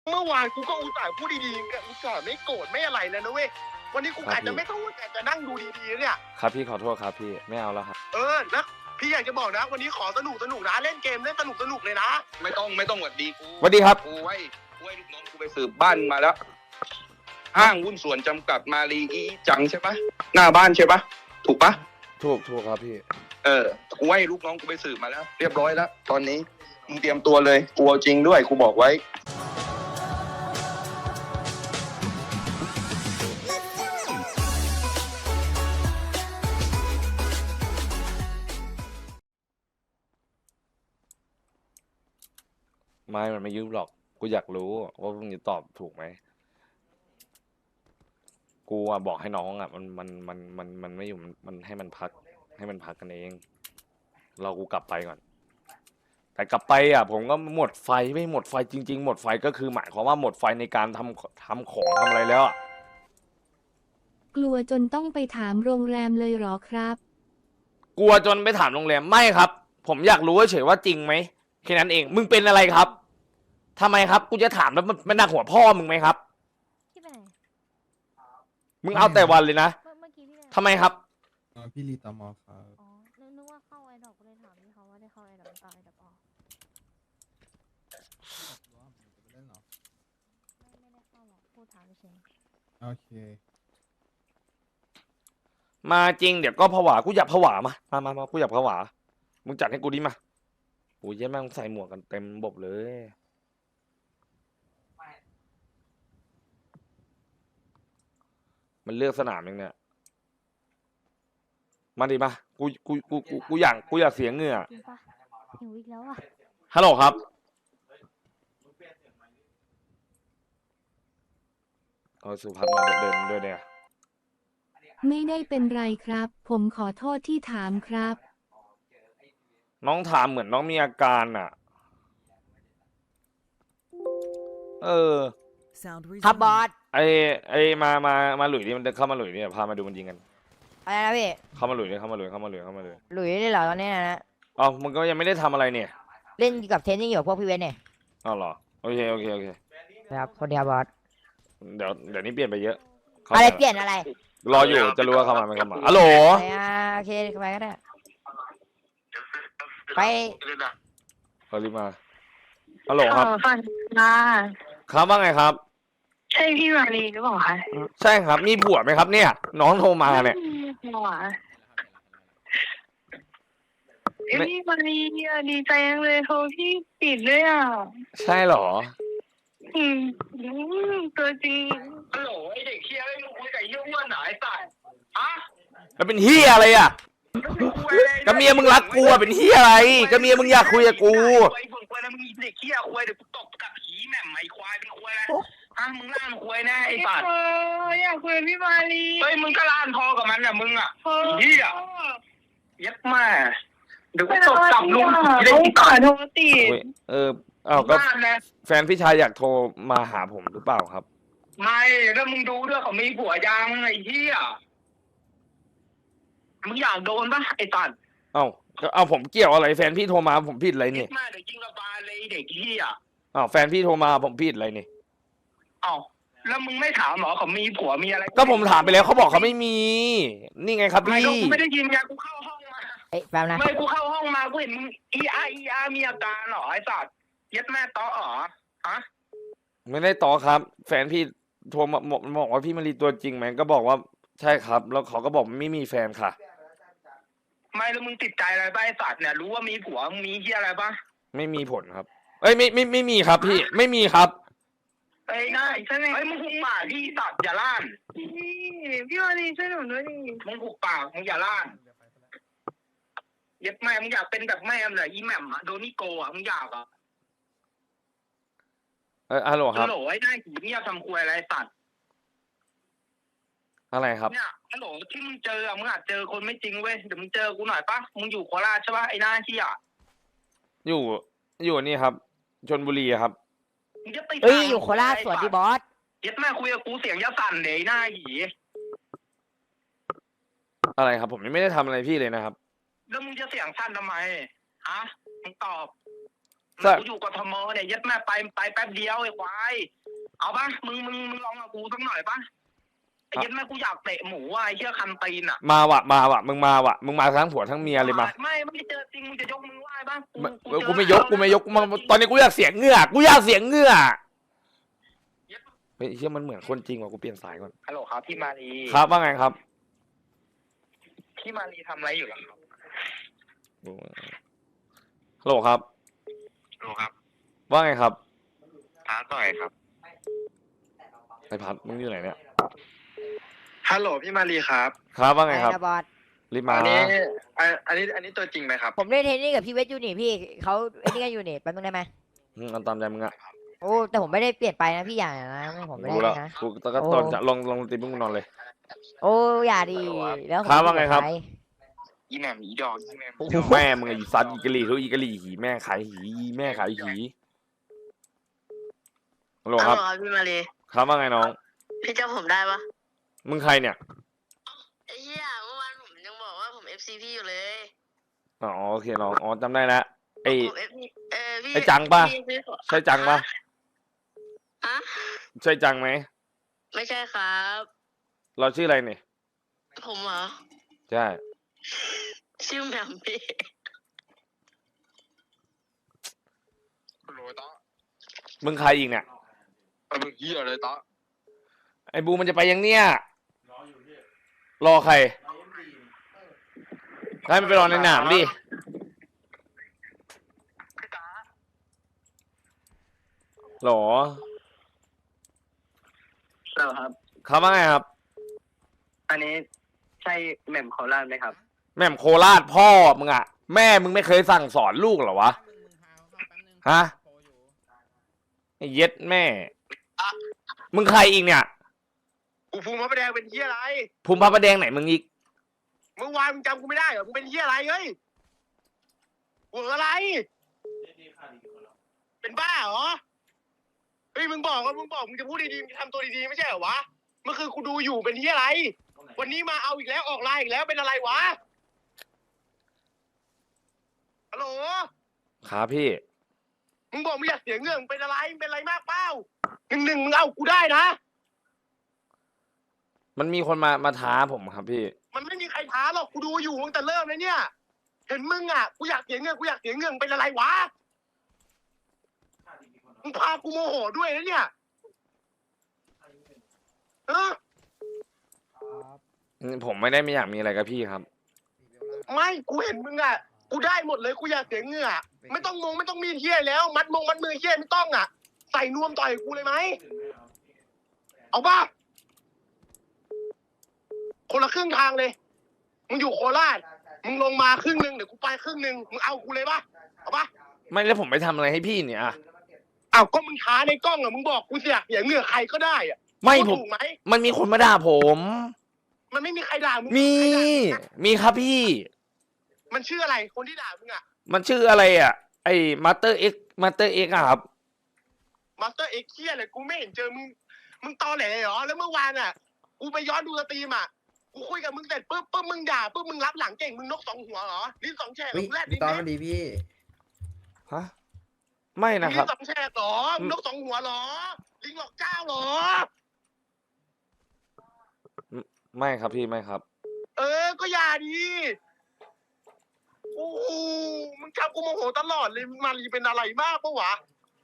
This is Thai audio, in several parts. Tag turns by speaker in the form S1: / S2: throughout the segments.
S1: เมื่อวานกูก็อุตส่าห์พูดดีๆอุตส่าห์ไม่โกรธไม่อะไรแล้วนะเว้ยวันนี้กูอาจจะไม่ต้องแต่จะนั่งดูดีๆเนี่ย
S2: ครับพี่ขอโทษครับพี่ไม่เอาแล้วครับ
S1: นะพี่อยากจะบอกนะวันนี้ขอสนุกนะเล่นเกมเล่นสนุกเลยนะ
S3: ไม่ต้องหวัดดีกู
S2: สวัสดีครับ
S3: กูไว้ลูกน้องกูไปสืบบ้านมาแล้วห้างหุ้นส่วนจำกัดมาลีอีจังใช่ปะหน้าบ้านใช่ปะถูกปะ
S2: ถูกครับพี่
S3: กูไว้ลูกน้องกูไปสืบมาแล้วเรียบร้อยแล้วตอนนี้มึงเตรียมตัวเลยกูเอาจริงด้วยกูบอกไว้
S2: มันไม่ยุ่งหรอกกูอยากรู้ว่ามึงจะตอบถูกไหมกูบอกให้น้องมันไม่อยู่มันให้มันพักกันเองกูกลับไปก่อนแต่กลับไปผมก็หมดไฟไม่หมดไฟจริงๆหมดไฟก็คือหมายความว่าหมดไฟในการทำของทำอะไรแล้ว
S4: กลัวจนต้องไปถามโรงแรมเลยหรอครับ
S2: กลัวจนไปถามโรงแรมไม่ครับผมอยากรู้เฉยว่าจริงไหมแค่นั้นเองมึงเป็นอะไรครับทำไมครับกูจะถามแล้วมันหนักหัวพ่อมึงไหมครับ
S5: พี่ไปไหน
S2: มึงเอาแต่วันเลยนะ
S5: เมื่อกี้พี่ไปไหน
S2: ทำไมครับ
S6: พี่ลีตอมอครับ
S5: อ๋อนึกว่าเข้าไอดอกก็เลยถามพี่เขาว่าได้เข้าไอดอกไอดอกออกไม่ได้เข้าหรอกพูดถามเฉย
S6: โอเค
S2: มาจริงเดี๋ยวก็ผวากูอยากผวามากูอยากผวามึงจัดให้กูดิมาโอ้ยแม่งใส่หมวกกันเต็มบบเลยมันเลือกสนามยังเนี่ยมาดิมากูอยากเสียเหงื่อ
S5: จริงปะหิวอีกแล้วอ่ะ
S2: ฮัลโหลครับสุภัทรมาเดินด้วยเนี่ย
S4: ไม่ได้เป็นไรครับผมขอโทษที่ถามครับ
S2: น้องถามเหมือนน้องมีอาการ
S7: ครับบอส
S2: มาหลุยนี่มันเข้ามาหลุยนี่พามาดูมันยิงกัน
S7: อะไรนะพี่
S2: เข้ามาหลุยเลย
S7: หลุยเลยเหรอตอนนี้นะ
S2: อ๋อมึงก็ยังไม่ได้ทำอะไรเนี่ย
S7: เล่นกับเทนนิ่งอยู่พวกพี่เวนเนี่ย
S2: อ๋อเหรอโอเค
S7: ครับคนเดียวบอส
S2: เดี๋ยวนี้เปลี่ยนไปเยอะ
S7: อะไรเปลี่ยนอะไร
S2: รออยู่จะรู้ว่าเข้ามาไม่เข้ามาฮัลโหล
S7: โอเคไปก็ได้ไป
S2: รีบมาฮัลโหลครับ
S8: ฝัน
S2: ครับว่าไงครับ
S8: ใช่พี่มารีหรือเปล่าคะ
S2: ใช่ครับมีผัวไหมครับเนี่ยน้องโทรมาเนี่ย
S8: ผัวพี่มารีดีใจจังเลยโทรพี่ปิดด้วย
S2: ใช่เหรอ
S8: ตัวจริง
S3: ฮัลโหลไอเด็กเคียร์ไอ้มึงคุยกับเยี่ยอ้วนไหนสัตว์
S2: แล้วเป็นเฮียอะไรก็เมียมึงรักกูเป็นเฮียอะไรก็เมียมึงอยากคุยกับกู
S3: ไอ้เบิ่งควายนะมึงเด็กเคียร์ควายเดี๋ยวกูตบกับผีแหม่มไอ้ควายเป็นควายแล้วมึงล่านควายแน่ไอ้สัตว์
S8: อยากคุยกับพี่มารี
S3: เฮ้ยมึงก็ล่านพอกับมันมึงเฮียยัดมาเดี๋ยวกูตบกลับลุง
S8: เด็กก่อนโทรติด
S2: ก็แฟนพี่ชายอยากโทรมาหาผมหรือเปล่าครับ
S3: ไม่แล้วมึงดูด้วยเขามีผัวยังไอ้เหี้ยมึงอยากโดนปะไอ้ตัน
S2: เอาผมเกี่ยวอะไรแฟนพี่โทรมาผมผิดอะไรนี่
S3: มาเดี๋ยวยิงระบาดเลยเด็กเหี้ย
S2: แฟนพี่โทรมาผมผิดอะไรนี่
S3: แล้วมึงไม่ถามหรอเขามีผัวมีอะไร
S2: ก็ผมถามไปแล้วเขาบอกเขาไม่มีนี่ไงครับพี่
S3: กูไม่ได้ยินไงกูเข้าห้องมา
S7: แป๊บนะ
S3: ไม่กูเข้าห้องมากูเห็นมึงอีอามีอาการหรอไอ้สัตว์ยัดแม่ต้อหรอ
S2: ไม่ได้ต่อครับแฟนพี่โทรมาบอกว่าพี่มารีตัวจริงไหมก็บอกว่าใช่ครับแล้วเขาก็บอกไม่มีแฟนค่ะ
S3: ไม่แล้วมึงติดใจอะไรบ้างไอ้สัตว์เนี่ยรู้ว่ามีผัวมีเหี้ยอะไรบ้าง
S2: ไม่มีผลครับไม่มีครับพี่ไม่มีครับ
S3: ไอ้ง่ายใช่ไหมไอ้มึงหุบปากพี่สัตว์อย่าล่าน
S8: พี่มารีช่วยหนูด้วยดิ
S3: มึงหุบปากมึงอย่าล่านยัดแม่มึงอยากเป็นแบบแม่มึงเหรออีแหม่มโดนิโกมึงอยาก
S2: ฮัลโหลครับ
S3: ฮัลโหลไอ้หน้าหีเงียบทำครัวอะไรสัตว์
S2: อะไรครับ
S3: เนี่ยฮัลโหลที่มึงเจอมึงอาจเจอคนไม่จริงเว้ยเดี๋ยวมึงเจอกูหน่อยปะมึงอยู่โคราชใช่ปะไอ้หน้าที่
S2: อยู่นี่ครับชลบุรีครับ
S7: อยู่โคราชสวัสดีบอส
S3: ยัดแม่คุยกับกูเสียงยะสั่นเลยหน้าหี
S2: อะไรครับผมยังไม่ได้ทำอะไรพี่เลยนะครับ
S3: แล้วมึงจะเสียงสั่นทำไมมึงตอบกูอยู่กทมเนี่ยยัดแม่ไปแป๊บเดียวไอ้ควายเอาปะมึงลองกับกูสักหน่อยปะไอ้ยัดแม่กูอยากเตะหมูว่ะไอ้เชี่ยคันตีนอ่ะ
S2: มาว่ะมึงมาทั้งผัวทั้งเมียเลยมา
S3: ไม่เจอจริงมึงจะยกมือไหว้ปะ
S2: กูไม่ยกตอนนี้กูอยากเสียงเหงื่อเฮ้ยเชี่ยมันเหมือนคนจริงว่ะกูเปลี่ยนสายก่อน
S3: ฮัลโหลครับพี่มารี
S2: ครับว่าไงครับ
S3: พี่มารีทำอะไรอยู่ล่ะครับ
S2: ฮัลโหลครับ
S3: ฮัลโหลครับ
S2: ว่าไงครับ
S3: ท้าต่อยครับ
S2: ไอพัดมึงอยู่ไหนเนี่ย
S1: ฮัลโหลพี่มารีครับ
S2: ครับว่าไงครับ
S7: ไนะบอส
S2: รีบมา
S1: อันนี้ตัวจริงไหมครับ
S7: ผมเล่นเทนนิสกับพี่เวทอยู่นี่พี่เขาไอ้นี่กันอยู่นี่แป๊บนึงได้ไหม
S2: เอาตามใจมึงอะ
S7: โอ้แต่ผมไม่ได้เปลี่ยนไปนะพี่อย่านะผมไม่ได้
S2: กู
S7: เล
S2: แล้ว
S7: ยนะ
S2: กูตะก็ตอนจะลงตีมึงนอนเลย
S7: โอ้อย่าดีแล้วผม
S2: ครับว่าไงครับ
S7: ป
S3: อีแหม่มอีดอกอีแหม่ม
S2: โอ้โหแม่มึงไอ้ซัดอีกะหรี่ทุกอีกะหรี่หีแม่ขายหีแม่ขายหีฮัลโหลครับ
S8: พี่มารี
S2: ครับว่าไงน้อง
S8: พี่จำผมได้ปะ
S2: มึงใครเนี่ย
S8: ไอ้เหี้ยเมื่อวานผมยังบอกว่าผม FC พี่อยู่เลย
S2: อ๋อโอเคน้องอ๋อจำได้แล้วไอ้
S8: ผม FC พี่
S2: ไอ้จังปะ
S8: พี่ขอ
S2: ใช่จังปะ
S8: อะ
S2: ใช่จังไหม
S8: ไม่ใช่ครับ
S2: เราชื่ออะไรเนี่ย
S8: ผมเหรอ
S2: ใช่
S8: ชื่อแหม่มพี่
S3: ฮัลโหลต๊อ
S2: มึงใครอีกเนี่ย
S3: มึงเหี้ยเลยต๊อ
S2: ไอ้บูมันจะไปยังเนี่ยรอใครให้มันไปรอในหนามดิหรอ
S1: ครับ
S2: ครับว่าไงครับ
S1: อันนี้ใช่แหม่มโคราชไหมครับ
S2: แม่มโคราชพ่อมึงอะแม่มึงไม่เคยสั่งสอนลูกเหรอวะ ฮะ ไอ้เย็ดแม่ มึงใครอีกเนี่ย
S1: กูภูมิพระประแดงเป็นเฮียอะไร
S2: ภูมิพระประแดงไหนมึงอีก
S1: เมื่อวานมึงจำกูไม่ได้เหรอกูเป็นเฮียอะไรเฮ้ยกูอะไร เป็นบ้าเหรอ เฮ้ยมึงบอกมึงจะพูดดีๆมึงจะทำตัวดีๆไม่ใช่เหรอวะ เมื่อคืนกูดูอยู่เป็นเฮียอะไร วันนี้มาเอาอีกแล้วออกไลน์อีกแล้วเป็นอะไรวะ ฮัลโหล
S2: ครับพี่
S1: มึงบอกมึงอยากเสียเงื่อนมึงเป็นอะไรมึงเป็นอะไรมากเปล่าหนึ่งมึงเอากูได้นะ
S2: มันมีคนมาท้าผมครับพี่
S1: มันไม่มีใครท้าหรอกกูดูอยู่ตั้งแต่เริ่มเลยเนี่ย เห็นมึงอ่ะกูอยากเสียเงื่อนมึงเป็นอะไรวะ มึงพากูโมโหด้วยนะเนี่ยเออ
S2: ผมไม่อยากมีอะไรกับพี่ครับ
S1: ไม่กูเห็นมึงอ่ะกูได้หมดเลยกูอยากเสียเงื่อไม่ต้องมีเฮียแล้วมัดมือเฮียไม่ต้องอ่ะใส่นวมต่อยกูเลยไหมเอาป่ะคนละครึ่งทางเลยมึงอยู่โคราชมึงลงมาครึ่งนึงเดี๋ยวกูไปครึ่งนึงมึงเอากูเลยป่ะเอาป่ะ
S2: ไม่แล้วผมไปทำอะไรให้พี่เนี่ยอะ
S1: เอาก็มึงท้าในกล้องอ่ะมึงบอกกูอยากเสียเงื่อใครก็ได้อ่ะ
S2: ไม่
S1: พูด
S2: ผม
S1: ถูกไหม
S2: มันมีคนมาด่าผม
S1: มันไม่มีใครด่ามึง
S2: มี
S1: ใครด่ามึงอะ
S2: มีครับพี่
S1: มันชื่ออะไรคนที่ด่ามึงอ่ะ
S2: มันชื่ออะไรอ่ะ ไอ้มาสเตอร์เอ็กอะครับ
S1: มาสเตอร์เอ็กเคียเลยกูไม่เห็นเจอมึงตอแหลเหรอแล้วเมื่อวานอ่ะกูไปย้อนดูสตรีมอ่ะกูคุยกับมึงเสร็จปุ๊บมึงด่าปุ๊บมึงรับหลังเก่งมึงนกสองหัวเหรอลิ้นสองแฉก
S6: เฮ้ย
S1: มึงแรด
S6: พี่
S1: ลิ้น
S6: ตอน
S1: เล็
S6: มั
S1: ก
S6: นดีพี่
S2: ฮะ ไม่นะค
S1: ลิ้
S2: รับ
S1: นสองแฉกเหรอมึงนกสองหัวเหรอลิงหลอกเจ้าเหรอ
S2: ไม่ครับพี่ไม่ครับ
S1: ก็อย่าดีโอ้โหมึงทำกูโมโหตลอดเลยมารีเป็นอะไรมากปะวะ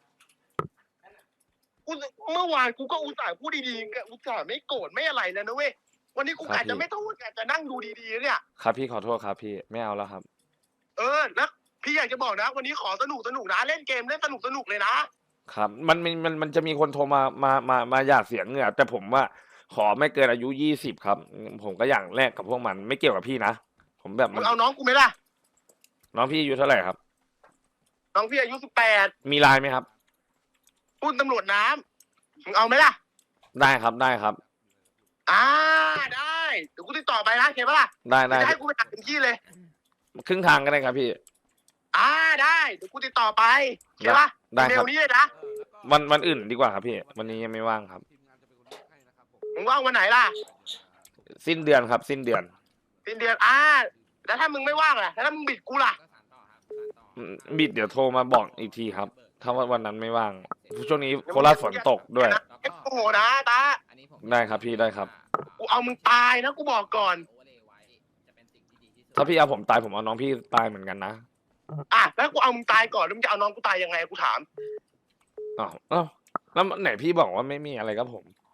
S1: กูเมื่อวานกูก็อุตส่าห์พูดดีๆอุตส่าห์ไม่โกรธไม่อะไรแล้วนะเว้ยวันนี้กู
S2: ครับ
S1: กะจะ
S2: พี่
S1: ไม่ต้องกะจะนั่งดูดีๆเนี่ย
S2: ครับพี่ขอโทษครับพี่ไม่เอาแล้วครับ
S1: แล้วพี่อยากจะบอกนะ วันนี้ขอสนุกนะเล่นเกมเล่นสนุกเลยนะครับ
S2: มันจะมีคนโทรมาอยากเสียเงื่อแต่ผมว่าขอไม่เกินอายุ20ครับ ผมก็อย่างแรกกับพวกมันไม่เกี่ยวกับพี่นะผมแบบ
S1: มึงเอาน้องกูไหมล่ะ
S2: น้องพี่อายุเท่าไหร่ครับ
S1: น้องพี่อายุ18
S2: มีไลน์ไหมครับ
S1: ปุ้นตำรวจน้ำมึงเอาไหมล่ะ
S2: ได้ครับได้ครับ
S1: ได้เดี๋ยวกูติดต่อไปนะเห็นปะล่ะ
S2: ได้ได้
S1: จะให้กูไปหาถึงที่เลย
S2: ครึ่งทางก็ได้ครับพี่
S1: ได้เดี๋ยวกูติดต่อไปเห็นปะ
S2: ได้ครับ
S1: เร็วนี้เลยนะ
S2: วันอื่นดีกว่าครับพี่ วันนี้ยังไม่ว่างครับ
S1: มึงว่างวันไหนล่ะ
S2: สิ้นเดือนครับ สิ้นเดือน
S1: สิ้นเดือนแล้วถ้ามึงไม่ว่างล่ะแล้วถ้ามึงบิดกูล่ะ
S2: บิดเดี๋ยวโทรมาบอกอีกทีครับ ถ้าว่าวันนั้นไม่ว่างช่วงนี้โคราชฝนตกด้วย
S1: โอ้โหนะตา
S2: ได้ครับพี่ได้ครับ
S1: กูเอามึงตายนะกูบอกก่อน
S2: ถ้าพี่เอาผมตายผมเอาน้องพี่ตายเหมือนกันนะ
S1: อ่ะแล้วกูเอามึงตายก่อนแล้วมึงจะเอาน้องกูตายยังไงกูถาม
S2: อ้าวแล้วไหนพี่บอกว่าไม่มีอะไรกับผม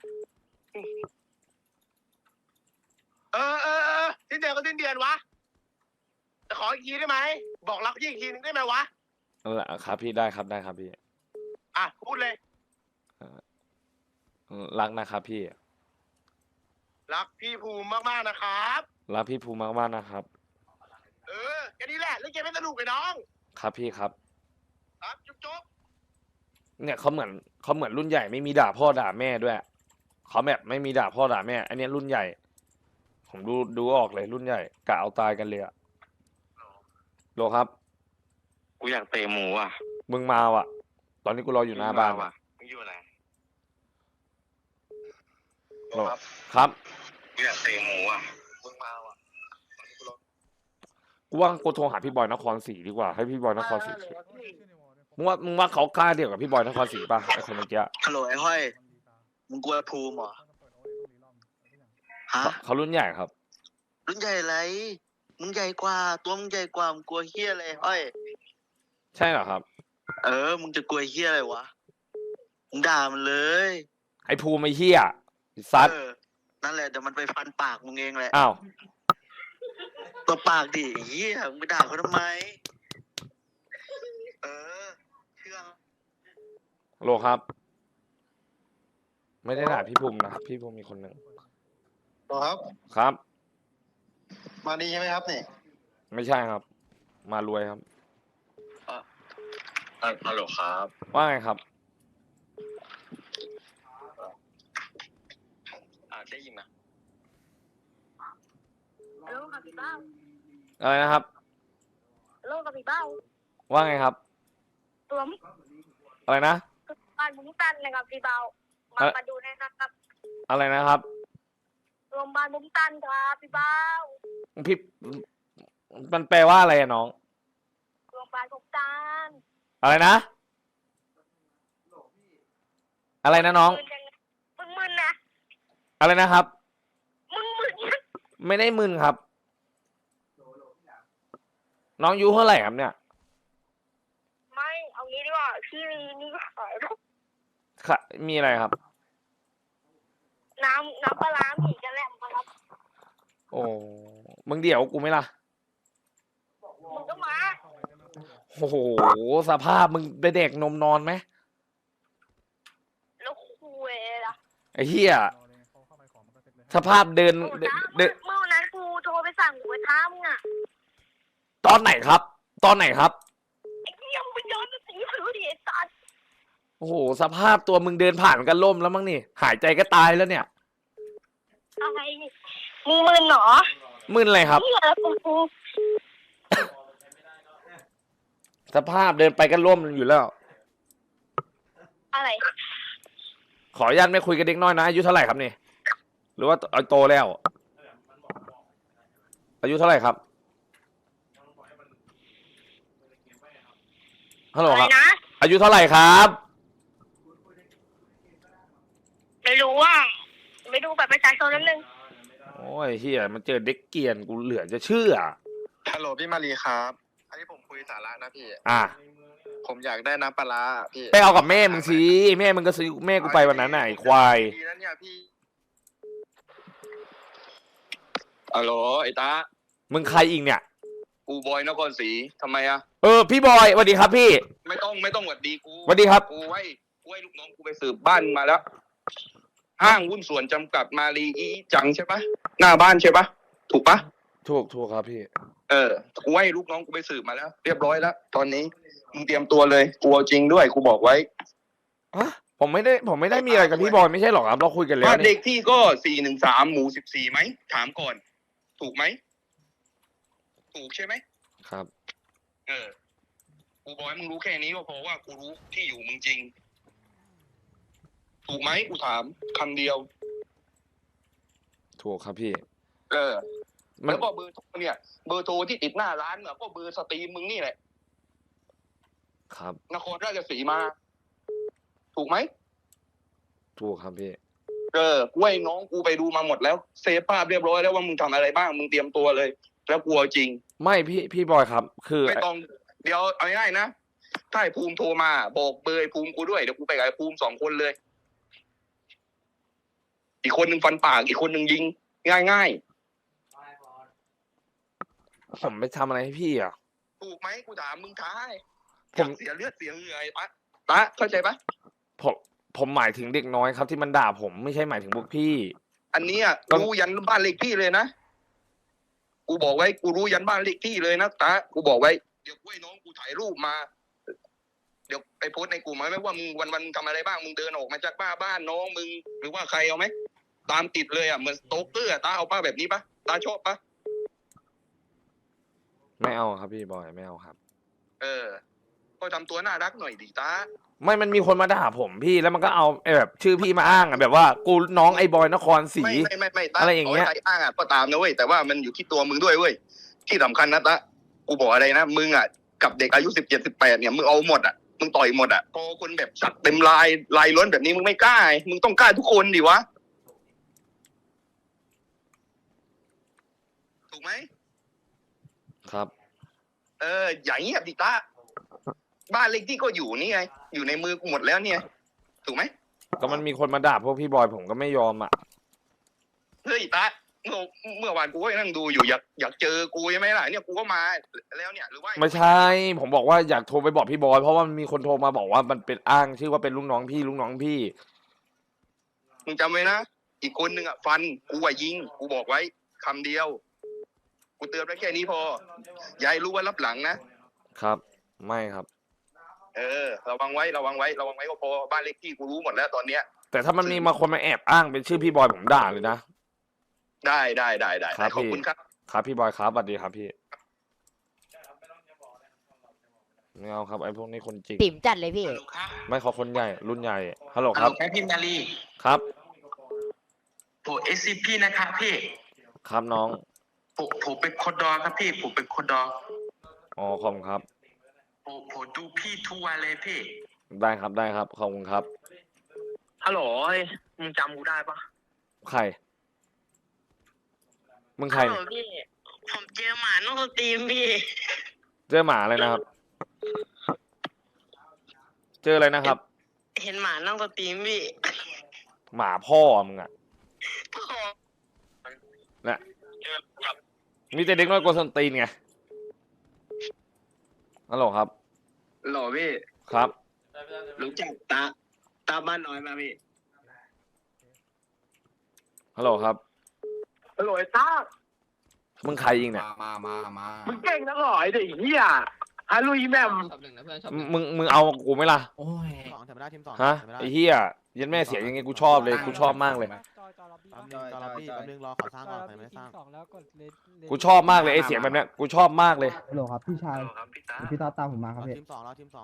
S1: สิ้นเดือนก็สิ้นเดือนวะแต่ขออีกทีได้ไหมบอกรักพี่อีกทีนึงได้ไหมวะ
S2: ครับพี่ได้ครับได้ครับพี่
S1: อ่ะพูดเลย
S2: รักนะครับพี่
S1: รักพี่ภูมิมากๆนะครับ
S2: รักพี่ภูมิมากๆนะครับ
S1: แค่นี้แหละเล่นเกมไม่สนุกเลยน้อง
S2: ครับพี่ครับ
S1: ครับจุ๊บ
S2: เนี่ยเขาเหมือนรุ่นใหญ่ไม่มีด่าพ่อด่าแม่ด้วยเขาแบบไม่มีด่าพ่อด่าแม่ อันนี้รุ่นใหญ่ ผมดูออกเลยรุ่นใหญ่กะเอาตายกันเลยอะโลครับ
S3: กูอยากเตะหมูอ่ะ
S2: มึงมาว่ะ ตอนนี้กูรออยู่หน้าบ้าน
S3: ว่ะมึงอยู่ไหน
S2: โลครับ
S3: กูอยากเตะหมูอ่ะ
S1: มึงมาว่ะ
S2: กูว่ากูโทรหาพี่บอยนครศรีดีกว่าให้พี่บอยนครศรีมึงว่าเขากล้าเดียวกับพี่บอยนครศรีป่ะไอคนเมื่อกี้
S9: ฮัลโหลไอ้ห้อย มึงกลัวภูมิเหรอ ฮะ
S2: เขารุ่นใหญ่ครับ
S9: รุ่นใหญ่ไร มึงใหญ่กว่า ตัวมึงใหญ่กว่า มึงกลัวเฮี้ยอะไรห้อย
S2: ใช่เหรอครับ
S9: มึงจะกลัวเฮี้ยอะไรวะ มึงด่ามันเลย
S2: ไอภูมิไอเฮียไอ้ซัด
S9: นั่นแหละเดี๋ยวมันไปฟันปากมึงเองแหละ
S2: อ้าว
S9: ตัวปากดิเฮี้ยมึงไปด่าเขาทำไม เชื่อ
S2: โลครับ ไม่ได้ด่าพี่ภูมินะครับพี่ภูมิมีคนหนึ่ง
S1: ครับ
S2: ครับ
S1: มาดีใช่ไหมครับนี่
S2: ไม่ใช่ครับ มารวยครับ
S3: ฮัลโหลครับ
S2: ว่าไงครับ
S3: ได้ยินนะ
S8: โลกกับพี่เบ้า
S2: อะไรนะครับ
S8: โลกกับพี่เบ้า
S2: ว่าไงครับ
S8: ตัว
S2: อะไรนะ
S8: บ้านบุ้งตันนะครับพี่เบ้ามาดูนะครับ
S2: อะไรนะครับ
S8: รวมบ้านบุ้งตันครับพี่เบ้า
S2: พี่มันแปลว่าอะไรอะน้อง
S8: รวมบ้านบุ้งตัน
S2: อะไรนะ อะไรนะน้อง
S8: มึงมึนนะ
S2: อะไรนะครับ
S8: มึงมึนนะ
S2: ไม่ได้มึนครับ น้องอายุเท่าไหร่ครับเนี่ย
S8: ไม่เอางี้ดีกว่าพี่นี่ขาย
S2: ค่ะมีอะไรครับ
S8: น้ำปลาร้าหมี่กระแหลมครับ
S2: โอ้มึงเดี๋ยวกูไหมล่ะ
S8: มึงก็มา
S2: โอ้โหสภาพมึงไปเด็กนมนอนไหม
S8: แล้วคุยล่ะ
S2: ไอ้เหี้ยสภาพเดิน
S8: โอ้
S2: เดิน
S8: น้า
S2: เดิน
S8: เมื่อวันนั้นกูโทรไปสั่งหมูกระทะมึงอ่ะ
S2: ตอนไหนครับ ตอนไหนครับ
S8: ไอ้เหี้ยมึงไปย้อนไปสีผิวดิไอ้สัส
S2: โอ้โหสภาพตัวมึงเดินผ่านกันล่มแล้วมั้งนี่ หายใจก็ตายแล้วเนี่ย
S8: อะไรมึงมึนเหรอ
S2: มึนอะไรครับ
S8: เหี้ยแล้วกู
S2: สภาพเดินไปก็ล่มอยู่แล้ว
S8: อะไร
S2: ขออนุญาตไม่คุยกับเด็กน้อยนะอายุเท่าไหร่ครับนี่ หรือว่าโตแล้ว อายุเท่าไหร่ครับฮัลโหล
S8: อะไร
S2: ครับ
S8: นะ
S2: อายุเท่าไหร่ครับ
S8: ไม่รู้ว่าไปดูบัตรประชาชนนิดนึง
S2: โอ้ยเฮียมันเจอเด็กเกรียนกูเหลือจะเชื่อ
S1: ฮัลโหลพี่มารีครับอันนี้ผมคุยสาระนะพี่
S2: อ่ะ
S1: ผมอยากได้น้ำปลาร้าพี่
S2: ไปเอากับแม่มึงสิแม่มึงก็ซื้อแม่กูไปวันนั้นน่ะไอ้ควาย
S1: ดีนะเนี่ยพี่
S3: ฮัลโหลไอ้ตา
S2: มึงใครอีกเนี่ย
S3: กูบอยนครศรีทำไมอ่ะ
S2: พี่บอยสวัสดีครับพี่
S3: ไม่ต้องหวัดดีกู
S2: สวัสดีครับ
S3: กูให้ลูกน้องกูไปสืบบ้านมาแล้ว ห้างหุ้นส่วนจำกัดมารีอีจังใช่ปะหน้าบ้านใช่ปะถูกปะ
S2: ถูกครับพี่
S3: กูให้ลูกน้องกูไปสืบมาแล้ว เรียบร้อยแล้วตอนนี้มึงเตรียมตัวเลยกูเอาจริงด้วยกูบอกไว้
S2: ผมไม่ได้มีอะไรกับพี่บอยไม่ใช่หรอกครับเราคุยกันแล้ว
S3: บ้านเด็
S2: นี่
S3: กที่ก็413หมู่14ไหมถามก่อน ถูกไหมถูกใช่ไหม
S2: ครับ
S3: กูบอกให้มึงรู้แค่นี้ก็พอว่ากูรู้ที่อยู่มึงจริง ถูกไหมกูถามคำเดียว
S2: ถูกครับพี่
S3: แล้วก็เบอร์โทรเนี่ยเบอร์โทรที่ติดหน้าร้านก็เบอร์สตรีมมึงนี่แหละ
S2: ครับ
S1: นครราชสีมา ถูกไหม
S2: ถูกครับพี่
S1: กูให้น้องกูไปดูมาหมดแล้วเซฟภาพเรียบร้อยแล้วว่ามึงทำอะไรบ้างมึงเตรียมตัวเลย แล้วกลัวจริง
S2: ไม่พี่บอยครับ คือ
S1: ไม่ต้องเดี๋ยวเอาง่ายๆนะถ้าไอ้ภูมิโทรมาบอกเบอร์ไอ้ภูมิกูด้วยเดี๋ยวกูไปกับไอ้ภูมิ2 คนเลย อีกคนหนึ่งฟันปากอีกคนหนึ่งยิง ง่าย
S2: ผมไปทำอะไรให้พี่อ่ะ
S1: ๆถูกไหมกูถามมึงท้าย
S2: ผม
S1: เสียเลือดเสียเหงื่อไอ้ตะเข้าใจปะ
S2: ผมหมายถึงเด็กน้อยครับที่มันด่าผมไม่ใช่หมายถึงพวกพี่
S1: อันเนี้ย
S2: ต้อง
S1: รู้ยันบ้านเลขที่เลยนะกูบอกไว้กูรู้ยันบ้านเลขที่เลยนะตะกูบอกไว้เดี๋ยวกูให้น้องกูถ่ายรูปมา เดี๋ยวไปโพสต์ในกลุ่มไหมว่ามึงวันทำอะไรบ้างมึงเดินออกมาจากบ้านน้องมึงหรือว่าใครเอาไหมตามติดเลยอ่ะเหมือนสโตเกอร์ตาเอาป้าแบบนี้ปะตาชอบปะ
S2: ไม่เอาครับพี่บอยไม่เอาครับ
S1: ก็ทำตัวน่ารักหน่อยดิตา
S2: ไม่มันมีคนมาด่าผมพี่แล้วมันก็เอาไอ้แบบชื่อพี่มาอ้างอ่ะแบบว่ากูน้องไอ้บอยนครศรี
S1: ไม่ตา
S2: อะไรอย่างเงี้ย
S1: ใครอ้างอ่ะก็ตามนะเว้ยแต่ว่ามันอยู่ที่ตัวมึงด้วยเว้ยที่สำคัญนะตากูบอกอะไรนะมึงอ่ะกับเด็กอายุ17-18เนี่ยมึงเอาหมดอ่ะมึงต่อยหมดอ่ะพอคนแบบสัตว์เต็มลายล้นแบบนี้มึงไม่กล้ามึงต้องกล้าทุกคนดิวะถูกไหม
S2: ครับ
S1: อย่าเงียบดิตาบ้านเลขที่ก็อยู่นี่ไงอยู่ในมือกูหมดแล้วเนี่ยถูกไหม
S2: ก็มันมีคนมาด่าพวกพี่บอยผมก็ไม่ยอมอ่ะ
S1: เฮ้ยตาเมื่อวานกูก็นั่งดูอยู่อยากเจอกูใช่ไหมล่ะเนี่ยกูก็มาแล้วเนี่ยหรือว่า
S2: ไม่ใช่ ผมบอกว่าอยากโทรไปบอกพี่บอยเพราะว่ามันมีคนโทรมาบอกว่ามันเป็นอ้างชื่อว่าเป็นลูกน้องพี่
S1: มึงจำไว้นะอีกคนนึงอ่ะฟันกูอ่ะยิงกูบอกไว้คำเดียวกูเตือนไว้แค่นี้พออย่าให้รู้ว่ารับหลังนะครับ
S2: ไม่ครับ
S1: ระวังไว้ก็พอบ้านเลขที่กูรู้หมดแล้วตอนเนี้ย
S2: แต่ถ้ามันมีมาคนมาแอบอ้างเป็นชื่อพี่บอยผมด่าเลยนะ
S1: ได้
S2: ครับ
S1: ขอบคุณครับ
S2: ครับพี่บอยครับสวัสดีครับพี่ไม่เอาครับไอ้พวกนี้คนจริง
S7: ติ๋มจัดเลยพี่
S2: ไม่ขอคนใหญ่รุ่นใหญ่ฮัลโหล
S3: ฮัล
S2: ค
S3: โห
S2: รั
S3: ล
S2: บ
S3: ครับพี่มารี
S2: ครับ
S3: ผมSCP นะครับพี่
S2: ครับน้อง
S3: ผมเป็นคนดอครับพี่ผมเป็นคนดอ
S2: อ๋อขอบคุณครับ
S3: ผมดูพี่ทุกวันเลยพี่
S2: ได้ครับขอบคุณครับ
S3: ฮัลโหลมึงจำกูได้ปะ
S2: ใครมึงใคร
S8: ฮัลโหลพี่ผมเจอหมานอกสตรีมพี่
S2: เจอหมาเลยนะครับ เจออะไรนะครับ
S8: เห็นหมานอกสตรีมพี่
S2: หมาพ่อมึงอ่ะนะมีแต่เด็กน้อยกว่าส้นตีนไงฮัลโหลครับ
S3: หล่อพี่
S2: ครับ
S3: รู้จักตาบ้านน้อยมาพี่
S2: ฮัลโหลครับ
S1: ฮัลโหลไอ้ตา
S2: มึงใครยิงเนี่ย
S1: มึงเก่งนักหรอไอ้เด็กเหี้ยฮาลุยแมม
S2: มึงเอากูไหมล่ะ
S6: โอ้ยสองแถมได้ทีมสอง
S2: ฮะไอ้เหี้ยยันแม่เสียยังไงกูชอบเลยกูชอบมากเลย
S6: จอรับบี้แป๊บนึงรอขอสร้างก่อนใครไม่ได้สร้าง
S2: กูชอบมากเลยไอ้เสียงแบบเนี้ยกูชอบมากเลย
S10: ฮัลโหลครับพี่ชายพี่ตาตามผมมาครับพี่
S6: ทีมสอง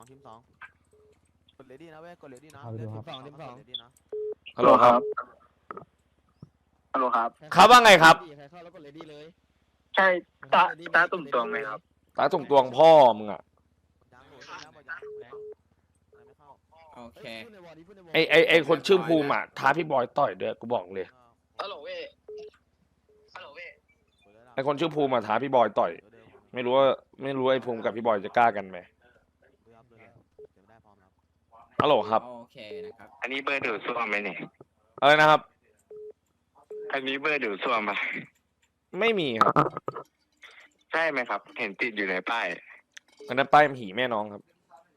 S6: กดเลดี้นะเว้ยกดเลดี้นะ
S10: เอาไปดูครับ
S6: ทีมสองเลดี้นะ
S2: ฮัลโหลครับ
S3: ฮัลโหลครับ
S2: ครับว่าไงครับ
S10: ใครเข้าแล้วกดเลดี้เลย
S3: ใช่ตาตุ่มตวงไหมครับ
S2: ตาตรงตวงพ่อมึงอ่ะ
S6: โอเค
S2: ไอคนชื่อภูมิอ่ะท้าพี่บอยต่อยเด้อกูบอกเลย
S1: ฮัลโหลเว้ย
S2: ไอคนชื่อภูมิอ่ะท้าพี่บอยต่อย ไม่รู้ไอภูมิกับพี่บอยจะกล้ากันไหมฮัลโหลครับ
S10: โอเคนะครับ
S3: อันนี้เบอร์ดูดซ่วมไหมเนี่ย
S2: อะไรนะครับ
S3: อันนี้เบอร์ดูดซ่วมปะ
S2: ไม่มีครับ
S3: ใช่ไหมครับ เห็นติดอยู่ในป้าย
S2: อันนั้นป้ายผีแม่น้องครับ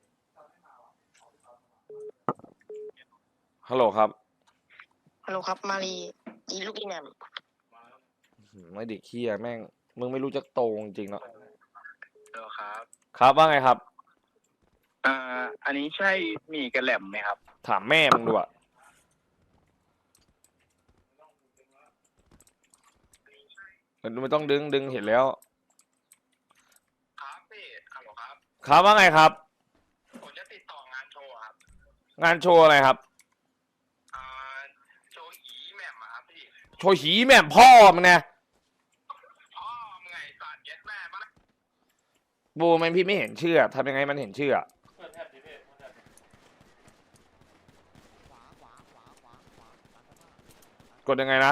S2: ฮัลโหลครับ
S8: ฮัลโหลครับมารีอีลูกอีแหนม
S2: ไม่เด็กเคี้ยแม่งมึงไม่รู้จักโตจริงๆเนาะ
S3: ฮัลโหลครับ
S2: ครับว่าไงครับ
S3: อันนี้ใช่หมี่กระแหล่มไหมครับ
S2: ถามแม่มึงดูอะไม่ต้องดึงเห็นแล้ว
S1: ครับพี่ฮัลโหลครับ
S2: ครับว่าไงครับ
S1: ผมจะติดต่องานโชว์ครับ
S2: งานโชว์อะไรครับ
S1: โชว์อีแหม่มอะครับพี่
S2: โชว์หีแม่มพ่อมึงไง
S1: พ่อมึงไงสัตว์เย็ดแม่มา
S2: บูมันพี่ไม่เห็นชื่อทำยังไงมันเห็นชื่อกดยังไงนะ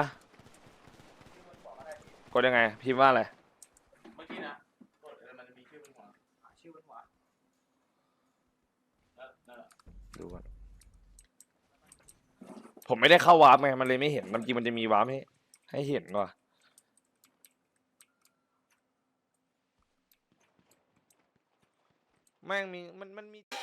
S2: กดยังไง พิมพ์ว่าอะไร
S6: เมื่อกี้นะกดมันจะมีชื่อบนหัวชื่อบนหัว
S2: ดูก่อนผมไม่ได้เข้าวาร์ปไงมันเลยไม่เห็นมันจริงมันจะมีวาร์ปให้เห็นก่อนแม่งมีมันมี